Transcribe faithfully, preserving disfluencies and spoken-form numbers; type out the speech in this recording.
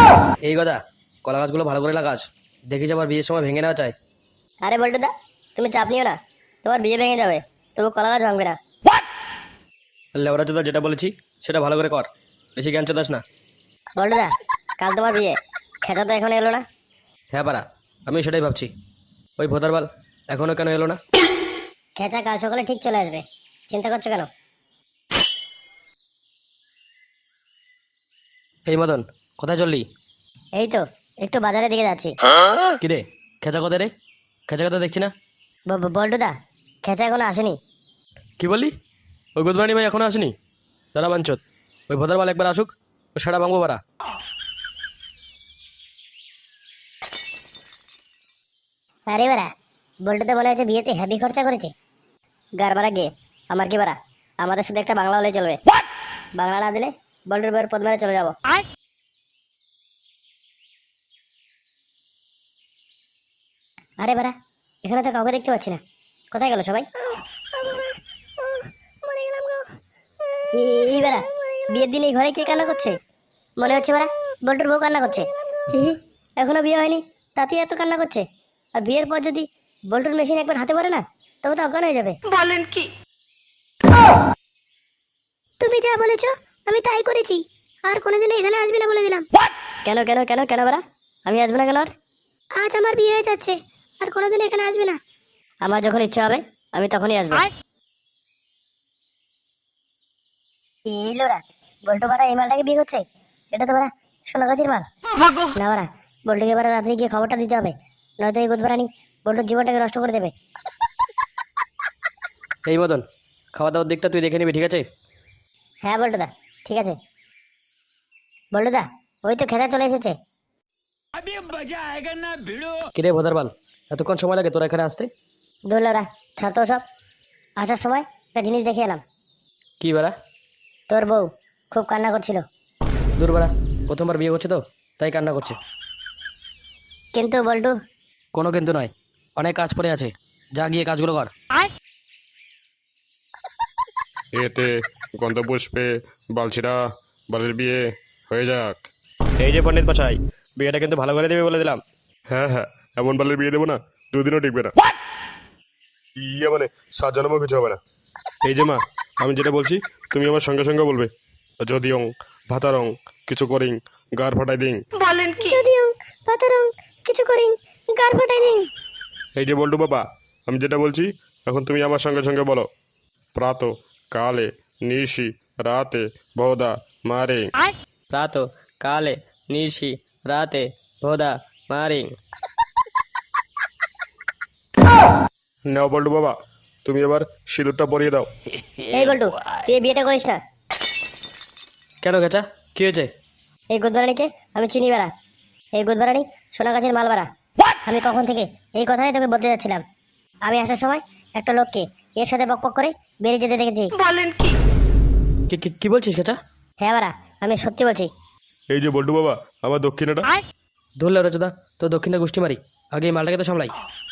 এই কথা, কলা গাছগুলো ভালো করে লাগাস, দেখিস আবার বিয়ের সময় ভেঙে নেওয়া চাই। আরে বল্টুদা, তুমি চাপ নিও না, তোমার বিয়ে ভেঙে যাবে, তবু কলা গাছ ভাঙবে না। লেবরা চোদা, যেটা বলেছি সেটা ভালো করে কর, বেশি জ্ঞান চোদাস না। বল্টুদা, কাল তোমার বিয়ে, খেঁচা তো এখন এলো না। হ্যাঁ পারা, আমি সেটাই ভাবছি, ওই ভোতারবাল এখনো কেন এলো না? খেঁচা কাল সকালে ঠিক চলে আসবে, চিন্তা করছো কেন? এই মদন, কোথায় চললি? এই তো একটু বাজারের দিকে যাচ্ছি। কিরে, খেঁচা কোথায় রে? খেঁচা কথা দেখছি না। ব- ব- বল্টুদা, খেঁচা এখনো আসেনি। কি বললি? ওই গুদবানি ভাই এখনো আসেনি? দাঁড়া বাঞ্চত, ওই ভোতারবাল একবার আসুক, ও সেটা ভাঙবো পারা। আরে বাড়া, বল্টুদা মনে হচ্ছে বিয়েতে হেভি খরচা করেছে। গার বাড়া গে, আমার কি বাড়া, আমাদের শুধু একটা বাংলা হলেই চলবে। বাংলা না দিলে বল্টুর বইয়ের পদ মেরে চলে যাবো। আরে বাড়া, এখানে তো কাউকে দেখতে পাচ্ছি না, কোথায় গেল সবাই? এই- এই বাড়া, বিয়ের দিন এই ঘরে কে কান্না করছে? মনে হচ্ছে বাড়া বল্টুর বউ কান্না করছে। হি হি, এখনো বিয়ে হয়নি, তাতেই এত কান্না করছে। আর বিয়ের পর যদি বল্টুর মেশিন একবার হাতে পড়ে না, তবে তো অজ্ঞান হয়ে যাবে। বলেন কি? তুমি যা বলেছ আমি তাই করেছি, আর কোনোদিনও এখানে আসবি না বলে দিলাম। কেন কেন কেন কেন বাড়া, আমি আসবো না কেন? আর আজ আমার বিয়ে হয়ে যাচ্ছে, আর কোনোদিন এখানে আসবি না। আমার যখন ইচ্ছা হবে আমি তখনই আসবো। এই লোরা, বল্টু বাড়া এই মালটাকে বিয়ে করছে, এটা তো বাড়া সোনাগাছির মাল। না বাড়া, বল্টুকে এবারে রাত্রে গিয়ে খবরটা দিতে হবে, নয়তো এই গুদবারানি বল্টুর জীবনটাকে নষ্ট করে দেবে। এই মদন, খাওয়া দাওয়ার দিকটা তুই দেখে নিবি, ঠিক আছে? হ্যাঁ বল্টুদা, ঠিক আছে। বল্টুদা, ওই তো খেতে চলে এসেছে। কিরে ভোতারবাল, এতক্ষণ সময় লাগে তোরা এখানে আসতে? দোলরা, ছাড় তো সব। আসার সময় একটা জিনিস দেখে এলাম, কি বেড়া? তোর বউ খুব কান্না করছিল। দূর বেড়া, প্রথমবার বিয়ে করছে তো তাই কান্না করছে। কিন্তু বল্টু, কোনো কিন্তু নয়, অনেক কাজ পড়ে আছে, যা গিয়ে কাজগুলো কর। এতে গন্ধপুষ্পে বালছিরা বালের বিয়ে হয়ে যাক। এই যে পণ্ডিত মশাই, বিয়েটা কিন্তু ভালো করে দেবে বলে দিলাম। হ্যাঁ হ্যাঁ, এমন বালের বিয়ে দেবো না দুদিনও টিকবে না। ইয়ে মানে সাত জন্মও কিছু হবে না। এই যে মা, আমি যেটা বলছি তুমি আমার সঙ্গে সঙ্গে বলবে। যদি অং ভাতারং কিছু করিং গার ফাটাই দিং। বলেন কি? যদিও পাতারং কিছু করিং গার ফাটাই দিন। এই যে বল্টু বাবা, আমি যেটা বলছি এখন তুমি আমার সঙ্গে সঙ্গে বলো। প্রাত কালে নিশি রাতে বহুদা মারে। রাত কালে নিশি রাতে ভোদা মারিং। নাও বল্টু বাবা, তুমি এবার সিঁদুরটা পরিয়ে দাও। এই বল্টু, তুই এই বিয়েটা করিস না। কেন গেছা, কি হয়েছে? এই গুদবারানিকে আমি চিনি বেড়া, এই গুদবারানি সোনাগাছির মাল বাড়া। আমি কখন থেকে এই কথাই তোকে বলতে যাচ্ছিলাম। আমি আসার সময় একটা লোককে এর সাথে বকবক করে বেরিয়ে যেতে দেখেছি। বলেন কি? কি কি- কি বলছিস গেছা? হ্যাঁ বাড়া, আমি সত্যি বলছি। এই যে বল্টু বাবা, আমার দক্ষিণাটা। ধরলে রচদা, তো দক্ষিণে গোষ্ঠী মারি, আগে এই মালটাকে তো সামলাই।